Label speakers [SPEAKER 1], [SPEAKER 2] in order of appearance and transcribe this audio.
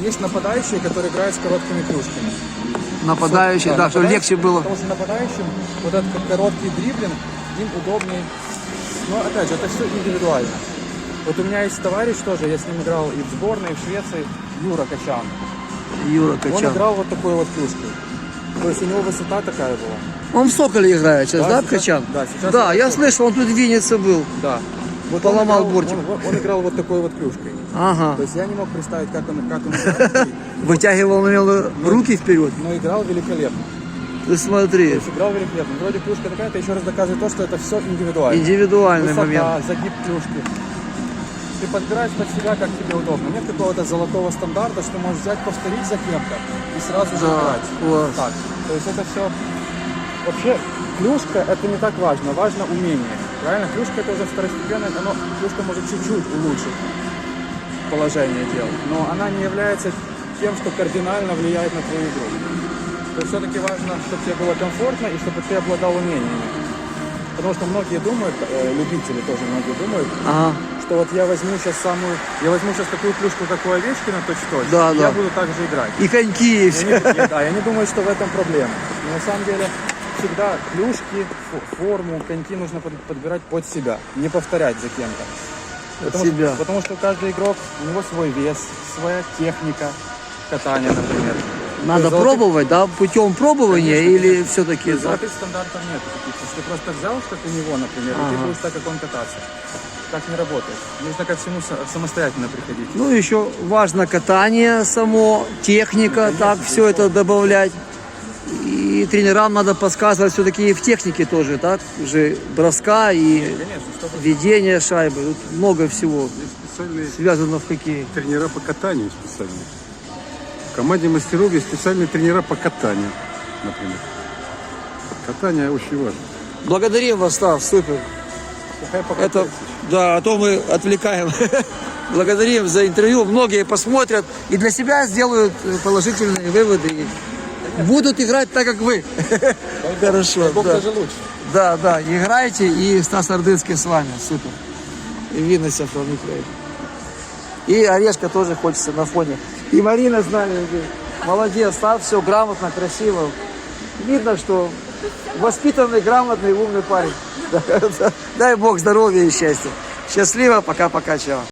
[SPEAKER 1] есть нападающие, которые играют с короткими клюшками.
[SPEAKER 2] Нападающий, да, чтобы легче было.
[SPEAKER 1] Потому что нападающим вот этот короткий дриблинг, им удобнее. Но опять же, это все индивидуально. Вот у меня есть товарищ тоже, я с ним играл и в сборной, и в Швеции, Юра Качан.
[SPEAKER 2] Юра
[SPEAKER 1] Он
[SPEAKER 2] Качан.
[SPEAKER 1] играл вот такой вот клюшкой. То есть у него высота такая была.
[SPEAKER 2] Он в Соколе играет сейчас, да,
[SPEAKER 1] сейчас,
[SPEAKER 2] Качан?
[SPEAKER 1] да, сейчас
[SPEAKER 2] Да,
[SPEAKER 1] он
[SPEAKER 2] я
[SPEAKER 1] в
[SPEAKER 2] слышал, он тут в Виннице был.
[SPEAKER 1] Да. Вот
[SPEAKER 2] Поломал
[SPEAKER 1] он играл,
[SPEAKER 2] бортик.
[SPEAKER 1] Он играл вот такой вот клюшкой.
[SPEAKER 2] Ага.
[SPEAKER 1] То есть я не мог представить, как он играет.
[SPEAKER 2] Вытягивал, наверное, руки вперед.
[SPEAKER 1] Но играл великолепно.
[SPEAKER 2] Ты смотри.
[SPEAKER 1] То есть играл великолепно. Вроде клюшка такая, это еще раз доказывает то, что это все индивидуально.
[SPEAKER 2] Индивидуальный
[SPEAKER 1] Высота,
[SPEAKER 2] момент.
[SPEAKER 1] загиб клюшки. Ты подбираешь под себя, как тебе удобно. Нет какого-то золотого стандарта, что можешь взять, повторить за кем-то и сразу же
[SPEAKER 2] Да,
[SPEAKER 1] играть.
[SPEAKER 2] класс.
[SPEAKER 1] Так. То есть это все... Вообще, клюшка это не так важно. Важно умение. Правильно? Клюшка это уже второстепенное. Клюшка может чуть-чуть улучшить положение дел. Но она не является тем, что кардинально влияет на твою игру. То есть все-таки важно, чтобы тебе было комфортно и чтобы ты обладал умениями. Потому что многие думают, любители тоже многие думают,
[SPEAKER 2] Ага.
[SPEAKER 1] что вот я возьму сейчас такую клюшку, как у Овечкина, точь-в-точь,
[SPEAKER 2] Да,
[SPEAKER 1] и
[SPEAKER 2] да.
[SPEAKER 1] я буду так же играть.
[SPEAKER 2] И коньки, и все.
[SPEAKER 1] Я не думаю, что в этом проблема. Но на самом деле всегда клюшки, форму, коньки нужно подбирать под себя, не повторять за кем-то.
[SPEAKER 2] себя.
[SPEAKER 1] Потому что каждый игрок, у него свой вес, своя техника катания, например.
[SPEAKER 2] Надо
[SPEAKER 1] То есть
[SPEAKER 2] пробовать, да, путем пробования,
[SPEAKER 1] Конечно,
[SPEAKER 2] или
[SPEAKER 1] конечно.
[SPEAKER 2] все-таки...
[SPEAKER 1] Золотых стандартов нет. Если ты просто взял, как у него, например, и ты будешь так, как он кататься. Так не работает. Нужно ко всему самостоятельно приходить.
[SPEAKER 2] Ну, еще важно катание само, техника,
[SPEAKER 1] Конечно,
[SPEAKER 2] так, все это добавлять. И тренерам надо подсказывать все-таки и в технике тоже, так, уже броска и
[SPEAKER 1] Конечно, чтобы
[SPEAKER 2] ведение шайбы. Тут много всего
[SPEAKER 3] Специальные
[SPEAKER 2] связано в хоккее.
[SPEAKER 3] тренера по катанию специальные. В команде мастеров есть специальные тренера по катанию, например. Катание очень важно.
[SPEAKER 2] Благодарим вас, Стас, супер. Это, да, а то мы отвлекаем. Благодарим за интервью. Многие посмотрят и для себя сделают положительные выводы. И будут играть так, как вы. Хорошо.
[SPEAKER 1] Бог
[SPEAKER 2] Да.
[SPEAKER 1] даже лучше.
[SPEAKER 2] Да, да, играйте, и Стас Ордынский с вами. Супер. И Винница from Ukraine. И Орешка тоже хочется на фоне. И Марина с нами. Молодец, Стас, все грамотно, красиво. Видно, что воспитанный, грамотный, умный парень. Дай Бог здоровья и счастья. Счастливо, пока-пока, чао.